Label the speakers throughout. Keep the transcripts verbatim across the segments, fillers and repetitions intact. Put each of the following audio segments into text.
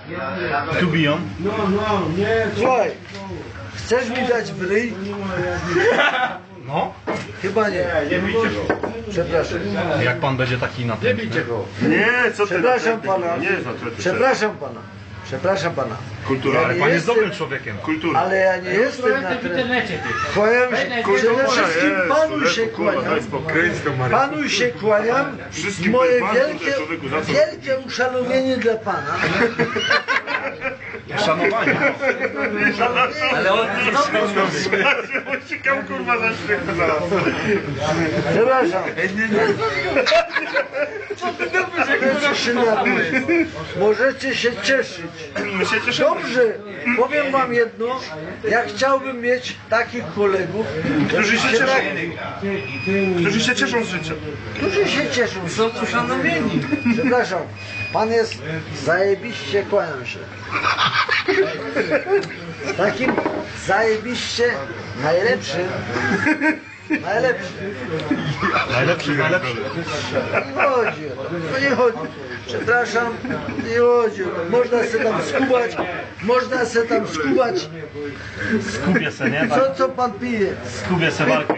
Speaker 1: Tu biją.
Speaker 2: Słuchaj, chcesz mi dać w ryj?
Speaker 1: No.
Speaker 2: Chyba nie.
Speaker 3: Nie bijcie go.
Speaker 2: Przepraszam.
Speaker 1: Jak pan będzie taki na
Speaker 3: Nie
Speaker 1: tym.
Speaker 3: bijcie go. Nie, co ty?
Speaker 2: Przepraszam pana.
Speaker 3: Nie jest atletyczny.
Speaker 2: Przepraszam pana. Przepraszam pana.
Speaker 3: Kultura.
Speaker 2: Ja
Speaker 1: Ale
Speaker 2: nie
Speaker 1: pan jest
Speaker 2: jestem-
Speaker 1: dobrym człowiekiem.
Speaker 3: Kultura.
Speaker 2: Ale ja nie jestem na trenerze. Kłaniam się, przede wszystkim panu się kłaniam. Panu się kłaniam.
Speaker 3: Wszystkim
Speaker 2: Moje
Speaker 3: panu,
Speaker 2: wielkie,
Speaker 3: człowieku, za co?
Speaker 2: wielkie uszanowienie dla pana.
Speaker 1: Szanowanie.
Speaker 2: Ale on
Speaker 3: Uciekam kurwa za śmiechem zaraz.
Speaker 2: Przepraszam. Możecie się napić. Możecie się cieszyć.
Speaker 3: My się cieszymy.
Speaker 2: Dobrze, powiem wam jedno. Ja chciałbym mieć takich kolegów,
Speaker 3: Którzy się cieszą.
Speaker 2: tak,
Speaker 3: Którzy się cieszą z życia.
Speaker 2: którzy się cieszą, są uszanowieni. Przepraszam, pan jest zajebiście, kłaniam się. Takim zajebiście najlepszym. Najlepszym.
Speaker 1: Najlepszy, najlepszy.
Speaker 2: Nie chodzi o to. No nie chodzi. Przepraszam, nie chodzi o to. Można se tam skubać, można se tam skubać.
Speaker 1: Skubię se, nie?
Speaker 2: Co, co pan pije?
Speaker 1: Skubię se walkę.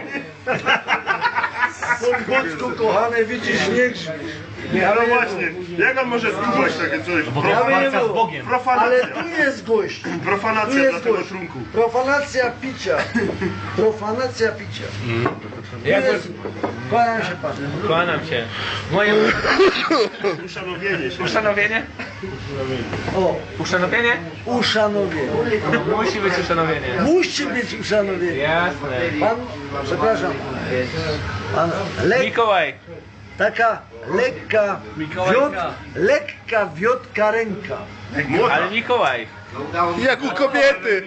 Speaker 2: Podwódzku kochane, widzisz, nie grzmisz.
Speaker 3: No właśnie, jak on może skubać takie coś?
Speaker 1: Bo to
Speaker 2: Ja
Speaker 1: jest
Speaker 2: bym nie
Speaker 1: walka z
Speaker 2: było.
Speaker 1: Bogiem.
Speaker 2: Ale
Speaker 3: Profanacja.
Speaker 2: tu jest gość. Tu
Speaker 3: Profanacja dla
Speaker 2: jest
Speaker 3: tego
Speaker 2: gość.
Speaker 3: trunku.
Speaker 2: Profanacja picia. Profanacja picia. Tu jest... Kłaniam się panu.
Speaker 4: Kłaniam się. Moje
Speaker 3: Uszanowienie się.
Speaker 4: uszanowienie?
Speaker 2: O,
Speaker 4: Uszanowienie?
Speaker 2: uszanowienie.
Speaker 4: Musi być uszanowienie.
Speaker 2: Musi być uszanowienie.
Speaker 4: Jasne.
Speaker 2: Pan, przepraszam, pan lek,
Speaker 4: Mikołaj.
Speaker 2: taka lekka wiot, lekka wiotka ręka.
Speaker 3: Młoda.
Speaker 4: Ale Mikołaj.
Speaker 5: Jak u kobiety!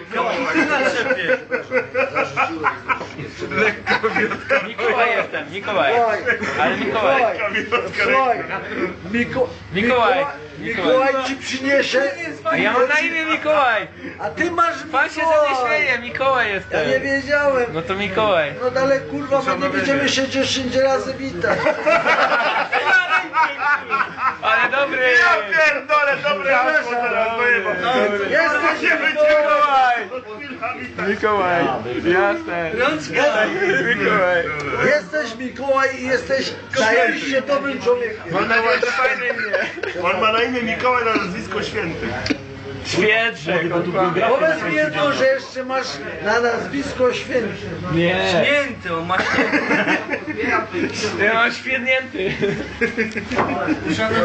Speaker 4: Mikołaj jestem. Mikołaj.
Speaker 2: Słuchaj,
Speaker 4: Ale Mikołaj.
Speaker 2: słuchaj, Miko,
Speaker 4: Mikołaj.
Speaker 2: Mikołaj ci przyniesie,
Speaker 4: A ja mam na imię Mikołaj.
Speaker 2: a ty masz
Speaker 4: Pan się ze mnie
Speaker 2: Mikołaj.
Speaker 4: śmieje. Mikołaj
Speaker 2: Ja nie
Speaker 4: jestem.
Speaker 2: wiedziałem.
Speaker 4: No to Mikołaj.
Speaker 2: No ale kurwa, my nie będziemy się dziesięć razy witać.
Speaker 4: Ale dobry.
Speaker 3: Ja pierdolę, dobre hasło teraz, dojebał.
Speaker 2: Jesteś
Speaker 4: Mikołaj.
Speaker 3: Mikołaj.
Speaker 4: Mikołaj. Jasne. Mikołaj.
Speaker 2: Jesteś Mikołaj i jesteś zajebiście dobrym człowiekiem.
Speaker 3: Ma na imię,
Speaker 4: Fajne imię.
Speaker 3: on ma na imię Mikołaj, na nazwisko Święty.
Speaker 4: Świetrzek.
Speaker 2: Powiedz mi jedno, że jeszcze masz na nazwisko Święty.
Speaker 4: Nie.
Speaker 6: Święty, on ma święty.
Speaker 4: Ja mam świetnięty.